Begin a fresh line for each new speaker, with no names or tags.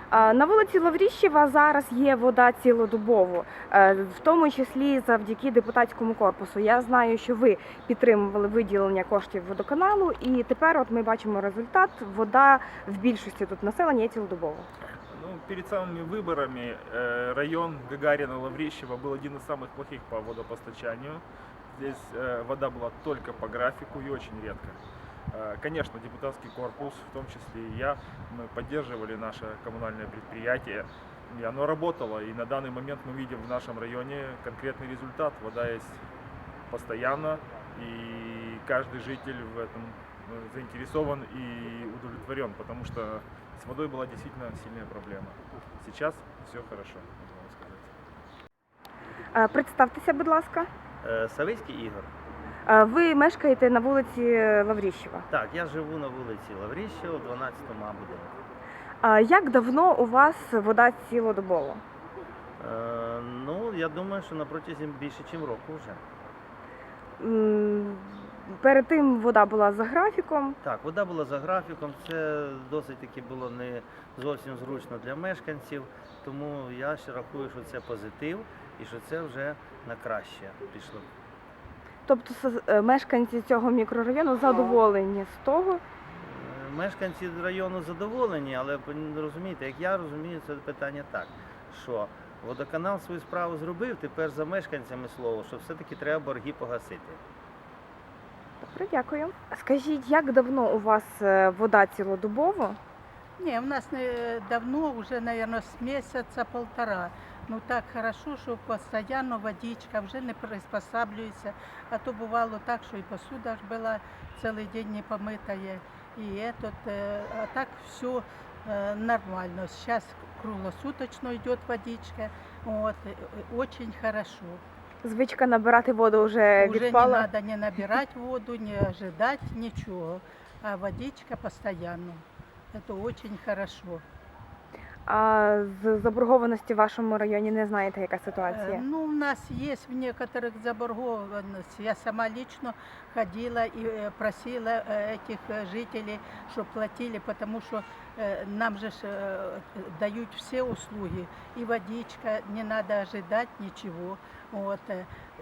На вулиці Лавріщева зараз є вода цілодобово, в тому числі завдяки депутатському корпусу. Я знаю, що ви підтримували виділення коштів водоканалу, і тепер от ми бачимо результат. Вода в більшості тут населення є цілодобово.
Ну, перед самыми выборами район Гагарина-Лаврищева был один из самых плохих по водопостачанию. Здесь вода была только по графику и очень редко. Конечно, депутатский корпус, в том числе и я, мы поддерживали наше коммунальное предприятие, и оно работало. И на данный момент мы видим в нашем районе конкретный результат. Вода есть постоянно, и каждый житель в этом заинтересован и удовлетворен, потому что с водой была действительно сильная проблема. Сейчас все хорошо, можно сказать.
Представтеся, будь ласка.
Савицький Ігор.
Ви мешкаєте на вулиці Лавріщева.
Так, я живу на вулиці Лавріщева, 12-му будинку.
Як давно у вас вода цілодобово?
Ну, я думаю, що на протязі більше, ніж року вже.
Перед тим вода була за графіком.
Так, вода була за графіком, це досить таки було не зовсім зручно для мешканців, тому я ще рахую, що це позитив і що це вже на краще пішло.
Тобто мешканці цього мікрорайону задоволені з того?
Мешканці району задоволені, але розумієте, як я розумію, це питання так, що водоканал свою справу зробив, тепер за мешканцями слово, що все-таки треба борги погасити.
Добре, дякую. Скажіть, як давно у вас вода цілодобово?
Не, у нас давно, уже, наверное, с месяца полтора. Ну так хорошо, що постійно водичка, вже не приспосаблюється. А то бувало так, що і посуда ж була цілий день не помитая. А так все нормально. Сейчас круглосуточно йде водичка. Вот, очень хорошо.
Звичка набирати воду вже
Уже
відпала?
не надо не набирать воду, не ожидать ничего. А водичка постоянно. Это очень хорошо.
А з заборгованості в вашому районі не знаєте, яка ситуація?
Ну, у нас есть в некоторых заборгованность. Я сама лично ходила и просила этих жителей, чтобы платили, потому что нам же дают все услуги. И водичка, не надо ожидать ничего. Вот.